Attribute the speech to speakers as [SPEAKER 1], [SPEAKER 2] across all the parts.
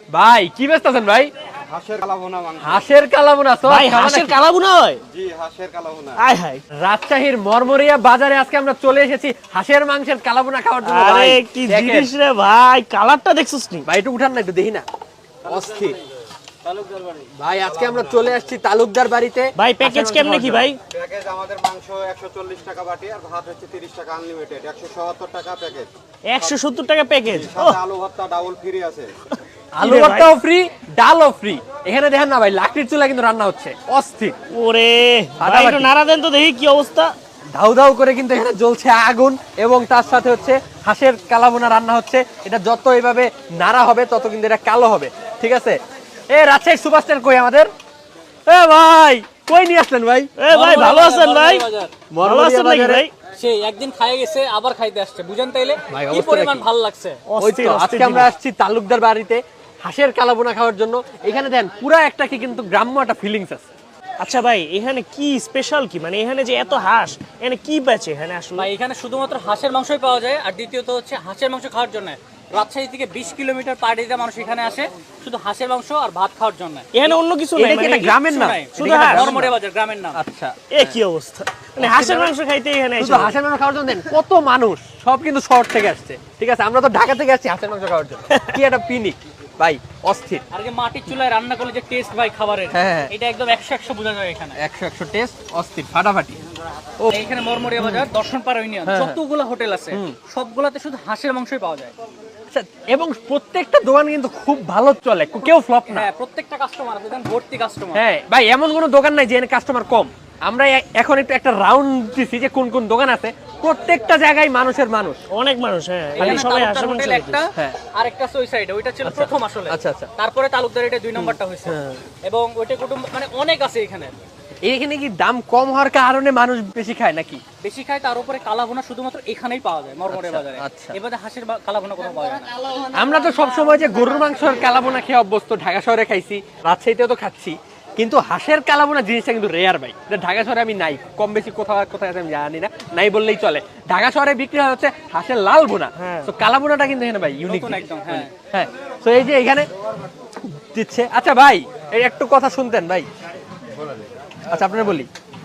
[SPEAKER 1] ভাই কি ব্যস্ত আছেন ভাই?
[SPEAKER 2] হাঁসের কালাভুনা মাংস।
[SPEAKER 1] হাঁসের কালাভুনা তো
[SPEAKER 3] ভাই হাঁসের কালাভুনা হয়?
[SPEAKER 2] জি, হাঁসের কালাভুনা।
[SPEAKER 3] আয় হায়,
[SPEAKER 1] রাজশাহীর মরমরিয়া বাজারে আজকে আমরা চলে এসেছি হাঁসের মাংসের কালাভুনা খাওয়ার জন্য।
[SPEAKER 3] আরে
[SPEAKER 1] ভাই
[SPEAKER 3] কি
[SPEAKER 1] দেখেন।
[SPEAKER 3] জিনিস রে ভাই, কালারটা দেখছস নি?
[SPEAKER 1] ভাই একটু উঠান না, একটু দেখি না। অস্থির ভাই, আজকে আমরা চলে আসছি তালুকদার বাড়িতে।
[SPEAKER 3] ভাই প্যাকেজ কেমনে কি ভাই?
[SPEAKER 2] প্যাকেজ আমাদের মাংস 140 টাকা বাটি আর ভাত হচ্ছে 30 টাকা আনলিমিটেড, 170 টাকা প্যাকেজ।
[SPEAKER 3] 170 টাকা প্যাকেজ।
[SPEAKER 2] সাথে আলু ভর্তা ডাবল ফ্রি আছে।
[SPEAKER 1] আলু ভর্তাও ফ্রি, ডালও ফ্রি। এখানে দেখেন না ভাই, লাকড়ির চুলা কিন্তু রান্না হচ্ছে। অস্থির।
[SPEAKER 3] ওরে ভাই,
[SPEAKER 1] ফাটাফাটি।
[SPEAKER 3] একটু নাড়া দেন তো দেখি কি অবস্থা।
[SPEAKER 1] ধাউ ধাউ করে কিন্তু এখানে জ্বলছে আগুন এবং তার সাথে হচ্ছে হাঁসের কালাভুনা রান্না হচ্ছে। এটা যত এইভাবে নাড়া হবে তত কিন্তু এটা কালো হবে। ঠিক আছে? এ রাজশাহীর সুপারস্টার কই আমাদের? এ ভাই কই নিয়ে আসলেন ভাই?
[SPEAKER 3] এ ভাই ভালো আছেন ভাই? ভালো আছেন নাকি ভাই?
[SPEAKER 4] সেই একদিন খাইয়ে গেছে আবার খাইতে আসছে, বুঝেন তাইলে
[SPEAKER 1] ভাই,
[SPEAKER 4] কি
[SPEAKER 1] অবস্থা
[SPEAKER 4] পরিমাণ
[SPEAKER 1] কি?
[SPEAKER 4] ভালো লাগছে।
[SPEAKER 1] ওই তো আজকে আমরা আসছি তালুকদার বাড়িতে হাঁসের কালাভুনা খাওয়ার জন্য। এখানে দেন পুরা একটা কি কিন্তু গ্রাম্য একটা ফিলিংস আছে।
[SPEAKER 3] আচ্ছা ভাই, এখানে কি স্পেশাল কি, মানে এখানে যে এত হাঁস, এখানে কি বেচে এখানে আসলে?
[SPEAKER 4] ভাই এখানে শুধুমাত্র হাঁসের মাংসই পাওয়া যায়, আর দ্বিতীয়ত হচ্ছে হাঁসের মাংস খাওয়ার জন্য রাজশাহী থেকে 20 কিলোমিটার পার ডে মানুষ এখানে আসে শুধু হাঁসের মাংস আর ভাত খাওয়ার জন্য।
[SPEAKER 3] এখানে অন্য কিছু
[SPEAKER 1] এটা
[SPEAKER 3] নাই
[SPEAKER 1] কি
[SPEAKER 3] মানে?
[SPEAKER 1] একটা গ্রামের নাম?
[SPEAKER 3] শুধু হাঁস?
[SPEAKER 4] মরমরিয়া বাজার গ্রামের নাম।
[SPEAKER 1] আচ্ছা,
[SPEAKER 3] এ কি অবস্থা, মানে হাঁসের মাংস খাইতে এখানে
[SPEAKER 1] শুধু
[SPEAKER 3] এসে?
[SPEAKER 1] হাঁসের মাংস খাওয়ার জন্য দেন কত মানুষ, সব কিন্তু শহর থেকে আসছে। ঠিক আছে, আমরা তো ঢাকা থেকে আসছি হাঁসের মাংস খাওয়ার জন্য। কি একটা পিনিক ভাই, অস্থির।
[SPEAKER 4] আর যে মাটির চুলায় রান্না করলে যে টেস্ট ভাই খাবারের,
[SPEAKER 1] হ্যাঁ।
[SPEAKER 4] এটা একদম 100 বোঝা যায় এখানে।
[SPEAKER 1] 100 টেস্ট, অস্থির, ফাটাফাটি। ও
[SPEAKER 4] এখানে মরমরিয়া বাজার দর্শনপাড়া ইউনিয়ন
[SPEAKER 1] হ্যাঁ।
[SPEAKER 4] যতগুলো হোটেল আছে সবগুলাতে শুধু হাঁসের মাংসই পাওয়া যায়।
[SPEAKER 1] আচ্ছা, এবং প্রত্যেকটা দোকান কিন্তু খুব ভালো চলে, কেউ ফ্লপ না।
[SPEAKER 4] হ্যাঁ, প্রত্যেকটা কাস্টমার আছে, দেখেন ভর্তি কাস্টমার।
[SPEAKER 1] হ্যাঁ ভাই, এমন কোনো দোকান নাই যে কাস্টমার কম। আমরা এখন একটু একটা রাউন্ড দিছি যে কোন কোন দোকান আছে, প্রত্যেকটা জায়গায় মানুষের মানুষ।
[SPEAKER 3] অনেক মানুষ, হ্যাঁ
[SPEAKER 4] এখানে
[SPEAKER 3] এখানে সবাই
[SPEAKER 4] তালুকদার
[SPEAKER 3] হাঁসের মাংস
[SPEAKER 4] হোটেল
[SPEAKER 3] খাইতে।
[SPEAKER 4] একটা,
[SPEAKER 1] হ্যাঁ।
[SPEAKER 4] আর একটা আছে ওই সাইডে, ওইটা ছিল প্রথম আসলে।
[SPEAKER 1] আচ্ছা, আচ্ছা।
[SPEAKER 4] তারপরে তালুকদার এটা 2 নম্বরটা হয়েছে, এবং ওইটা কুটুম্ব মানে অনেক আছে এখানে।
[SPEAKER 1] এইখানে কি দাম কম হওয়ার কারণে মানুষ বেশি খায় নাকি?
[SPEAKER 4] বেশি খায়, তার উপরে কালাভুনা শুধুমাত্র এখানেই পাওয়া যায় মরমরিয়া বাজারে।
[SPEAKER 1] আচ্ছা।
[SPEAKER 4] এবারে হাঁসের কালাভুনা কোথাও পাওয়া যায় না।
[SPEAKER 1] আমরা তো সবসময় যে গরুর মাংসের কালাভুনা খেয়ে অভ্যস্ত, ঢাকা শহরে খাইছি, রাজশাহীতেও তো খাচ্ছি, কিন্তু হাঁসের কালাভুনা জিনিসটা কিন্তু রেয়ার ভাই। এটা ঢাকা শহরে আমি নাই, কম বেশি কোথাও কোথায় আছে আমি জানি না, নাই বললেই চলে। ঢাকা শহরে বিক্রি হয় হচ্ছে হাঁসের লাল ভুনা, তো কালাভুনাটা কিন্তু এখানে ভাই ইউনিক
[SPEAKER 4] নতুন একদম, হ্যাঁ।
[SPEAKER 1] হ্যাঁ। তো এই যে এখানে দিচ্ছে। আচ্ছা ভাই, এই একটু কথা শুনতেন ভাই। আচ্ছা আপনারা বলি,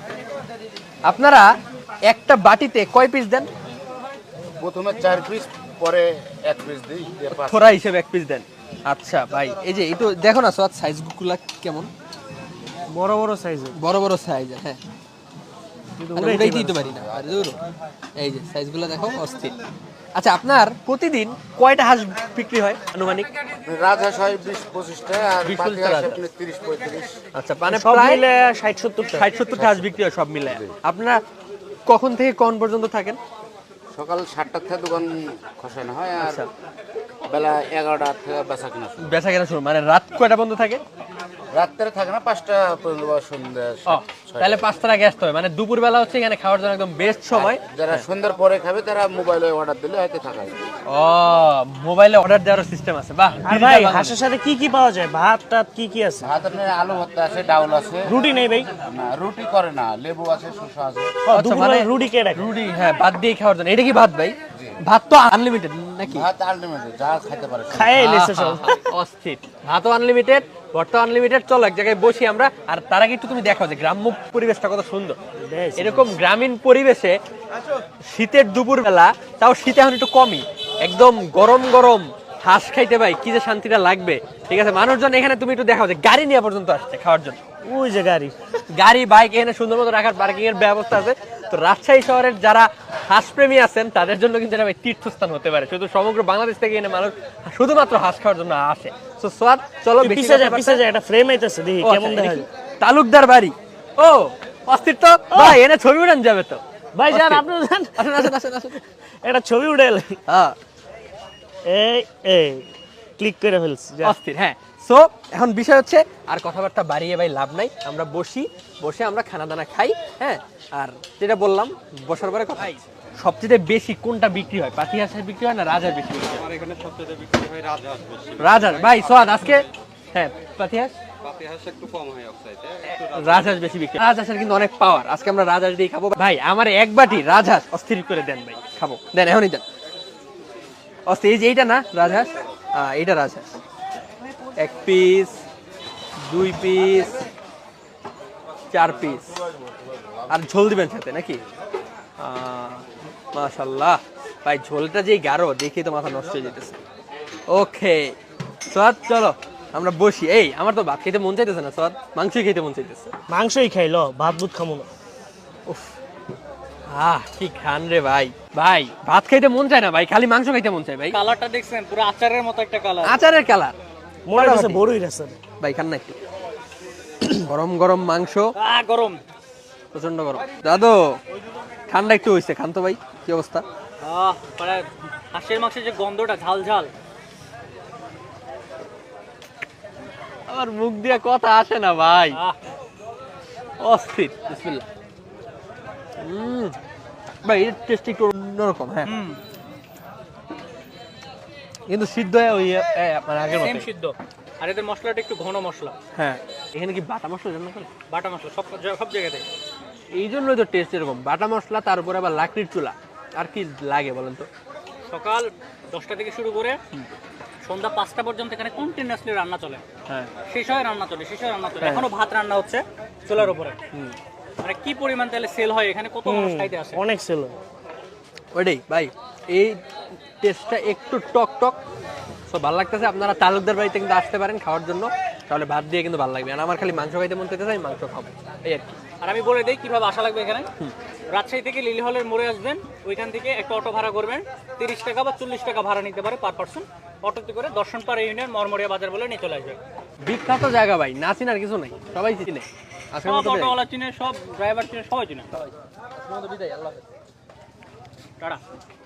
[SPEAKER 1] আপনারা একটা বাটিতে কয় পিস দেন?
[SPEAKER 2] প্রথমে 4 পিস, পরে 1 পিস দিই, দিয়ে 5।
[SPEAKER 1] থোড়া হিসেবে 1 পিস দেন। আচ্ছা ভাই, এই যে একটু দেখো না সোয়াদ, সাইজগুলো কেমন?
[SPEAKER 3] বড় বড় সাইজের,
[SPEAKER 1] বড় বড় সাইজ। হ্যাঁ, উড়াই দিতে পারি না। আরে দূর, এই যে সাইজগুলো দেখো, অস্থির। আচ্ছা, আপনার প্রতিদিন কয়টা হাঁস বিক্রি হয় আনুমানিক?
[SPEAKER 2] রাজহাঁস হয় 20-25 টা, আর
[SPEAKER 1] 20-25
[SPEAKER 2] পাতি
[SPEAKER 1] টা
[SPEAKER 2] হাঁস
[SPEAKER 1] রাজহাঁস।
[SPEAKER 2] আপনি 30-35।
[SPEAKER 1] আচ্ছা, মানে
[SPEAKER 3] সব
[SPEAKER 1] প্রায়
[SPEAKER 3] মিলে 60-70 টাকা।
[SPEAKER 1] 60-70 হাঁস বিক্রি হয় সব মিলে। আপনারা কখন থেকে কোন পর্যন্ত থাকেন?
[SPEAKER 2] সকাল 7টা থেকে দোকান খসানো হয়, আর
[SPEAKER 1] আচ্ছা।
[SPEAKER 2] বেলা 11টা থেকে বেচা কিনা শুরু।
[SPEAKER 1] বেচা কেনা শুরু, মানে রাত কয়টা পর্যন্ত থাকে?
[SPEAKER 2] রাত্রে থাকে না, 5টা পর্যন্ত বা সন্ধ্যা
[SPEAKER 1] ও, তাহলে 5টার আগে আসতে হবে, মানে দুপুর বেলা হচ্ছে এখানে খাওয়ার জন্য একদম বেস্ট সময়।
[SPEAKER 2] যারা সন্ধ্যার পরে খাবে তারা মোবাইলে অর্ডার দিলে হয়তো থাকা যায়।
[SPEAKER 1] ও, মোবাইলে অর্ডার দেওয়ার সিস্টেম আছে, বাহ।
[SPEAKER 3] আর ভাই হাঁসের সাথে কি কি পাওয়া যায়? ভাত টাত কি কি আছে?
[SPEAKER 2] ভাত আপনার আলু ভর্তা আছে, ডাউল আছে।
[SPEAKER 3] রুটি নেই ভাই?
[SPEAKER 2] না, রুটি করে না, লেবু আছে, শসা আছে।
[SPEAKER 3] দুপুরে রুটি কে রাখে?
[SPEAKER 1] রুটি, হ্যাঁ, ভাত দিয়ে খাওয়ার জন্য। এটা কি ভাত ভাই? ভাত তো আনলিমিটেড নাকি?
[SPEAKER 2] ভাত আলটিমেট, যা খাইতে পারে সব।
[SPEAKER 3] খায় এলেছে সব।
[SPEAKER 1] অস্থির। ভাতও আনলিমিটেড, ভর্তা আনলিমিটেড। চলো এক জায়গায় বসি আমরা। আর তার আগে একটু তুমি দেখাও যে গ্রাম্য পরিবেশটা কত সুন্দর। এরকম গ্রামীণ পরিবেশে শীতের দুপুর বেলা, তাও শীতে এখন একটু কমই, একদম গরম গরম হাঁস খাইতে ভাই কি যে শান্তিটা লাগবে। ঠিক আছে, মানুষজন এখানে তুমি একটু দেখাও যে গাড়ি নিয়ে পর্যন্ত আসছে খাওয়ার জন্য।
[SPEAKER 3] ওই যে গাড়ি,
[SPEAKER 1] গাড়ি বাইক এখানে সুন্দর মতো রাখার পার্কিং এর ব্যবস্থা আছে। তো রাজশাহী শহরের যারা হাঁসপ্রেমী আছেন তাদের জন্য কিন্তু এটা ভাই তীর্থস্থান হতে পারে। শুধু সমগ্র বাংলাদেশ থেকে এনে মানুষ শুধুমাত্র হাঁস খাওয়ার জন্য আসে। তো সোয়াদ, চলো
[SPEAKER 3] পিছে যায় একটা ফ্রেম আইতেছে, দেখি কেমন দেখা যায়।
[SPEAKER 1] তালুকদার বাড়ি। ও অস্থির তো ভাই, এনে ছবি উঠান যাবে তো
[SPEAKER 3] ভাই যান, আপনি যান,
[SPEAKER 1] আসেন আসেন আসেন আসেন।
[SPEAKER 3] একটা ছবি উঠে এলেন।
[SPEAKER 1] হ্যাঁ,
[SPEAKER 3] এই এই ক্লিক করে ফেলছি, যা।
[SPEAKER 1] অস্থির। হ্যাঁ, সো এখন বিষয় হচ্ছে আর কথাবার্তা বাড়িয়ে ভাই লাভ নাই, আমরা বসে আমরা খানা দানা খাই। হ্যাঁ, আর যেটা বললাম বসার পরে কথা, সবচেয়ে বেশি কোনটা বিক্রি হয়? পাতি হাঁসের বিক্রি হয় না রাজহাঁস বিক্রি হয়?
[SPEAKER 2] আমার এখানে সবচেয়ে বিক্রি হয় রাজহাঁস বেশি।
[SPEAKER 1] রাজহাঁস। ভাই সোয়াদ আজকে, হ্যাঁ, পাতি হাঁস,
[SPEAKER 2] পাতি হাঁস একটু কম হয় অফসাইডে,
[SPEAKER 1] রাজহাঁস বেশি বিক্রি। রাজহাঁসের কিন্তু অনেক পাওয়ার। আজকে আমরা রাজহাঁস দিয়ে খাবো ভাই। আমার এক বাটি রাজহাঁস অস্থির করে দেন ভাই, খাবো, দেন এখনই দেন। অস্থির। এই যে এইটা না রাজহাঁস, এইটা রাজহাঁস। 1 পিস 2 পিস 4 পিস আর ঝোল দিবেন সাথে নাকি? মাশাআল্লাহ ভাই, ঝোলটা যেই গাঢ় দেখে তো মাথা নষ্ট হয়ে যেতেছে। ওকে সোয়াদ, চলো আমরা বসি। এই আমার তো ভাত খেতে মন চাইতেছে না সোয়াদ, মাংসই খেতে মন চাইতেছে।
[SPEAKER 3] মাংসই খাইলো, ভাত বুত খামু না।
[SPEAKER 1] কি খান রে ভাই। ভাই ভাত খাইতে মন চায় না ভাই, খালি মাংস খাইতে মন চায় ভাই।
[SPEAKER 4] কালারটা দেখছেন পুরো আচারের মতো একটা কালার।
[SPEAKER 1] আচারের কালার
[SPEAKER 3] মনে হচ্ছে বড়ই রাসেল।
[SPEAKER 1] ভাই খান না একটু। গরম গরম মাংস,
[SPEAKER 4] গরম,
[SPEAKER 1] প্রচন্ড গরম। দাদু ঠান্ডা একটু হইছে, খান তো ভাই। কি অবস্থা?
[SPEAKER 4] মানে হাঁসের মাংসের যে গন্ধটা ঝাল ঝাল,
[SPEAKER 1] আমার মুখ দিয়ে কথা আসে না ভাই, অস্থির। বিসমিল্লাহ। ভাই এর টেস্ট একটু অন্যরকম। হ্যাঁ কিন্তু সিদ্ধ হয় ওই মানে আগের
[SPEAKER 4] সেম
[SPEAKER 1] মতো।
[SPEAKER 4] সিদ্ধ। আর এদের মশলাটা একটু ঘন মশলা।
[SPEAKER 1] হ্যাঁ এখানে কি বাটা মশলা রান্না করে?
[SPEAKER 4] বাটা মশলা সব জায়গাতে।
[SPEAKER 1] এই জন্যই তো টেস্ট এরকম, বাটা মশলা, তার উপরে আবার লাকড়ির চুলা। আর কি লাগে বলেন তো?
[SPEAKER 4] সকাল 10টা থেকে শুরু করে সন্ধ্যা 5টা পর্যন্ত এখানে কন্টিনিউয়াসলি রান্না চলে।
[SPEAKER 1] হ্যাঁ
[SPEAKER 4] শেষ হয় রান্না চলে, শেষ হয় রান্না চলে। এখনো ভাত রান্না হচ্ছে চুলার উপরে। মানে কি পরিমাণ তাহলে সেল হয় এখানে, কত মানুষ খাইতে আসে।
[SPEAKER 3] অনেক ছিল
[SPEAKER 1] ওইটাই ভাই, এই টেস্টটা একটু টক টক, সব ভালো লাগতেছে। আপনারা তালুকদার বাড়িতে কিন্তু আসতে পারেন খাওয়ার জন্য, তাহলে ভাত দিয়ে কিন্তু ভালো লাগবে। আর আমার খালি মাংস খাইতে মন চাইতেছে, আমি মাংস খাবো, এই আর কি।
[SPEAKER 4] আর আমি বলে দিই কিভাবে আসা লাগবে এখানে। রাজশাহী থেকে লিলি হলের মোড়ে আসবেন, ওইখান থেকে একটা অটো ভাড়া করবেন। 30 টাকা বা 40 টাকা ভাড়া নিতে পারে পার পার্সন। অটোতে করে দর্শনপাড়া ইউনিয়ন মরমরিয়া বাজার বলে নিয়ে চলে আসবে।
[SPEAKER 1] বিখ্যাত জায়গা ভাই, না চিনার কিছু নাই, সবাই চিনে। আজকের
[SPEAKER 4] সব
[SPEAKER 1] মতো বিদায়।
[SPEAKER 4] অটোওয়ালা চিনে, সব ড্রাইভার চিনে, সবাই চিনে।
[SPEAKER 1] বিদায়, আল্লাহ হাফেজ।
[SPEAKER 4] টাটা।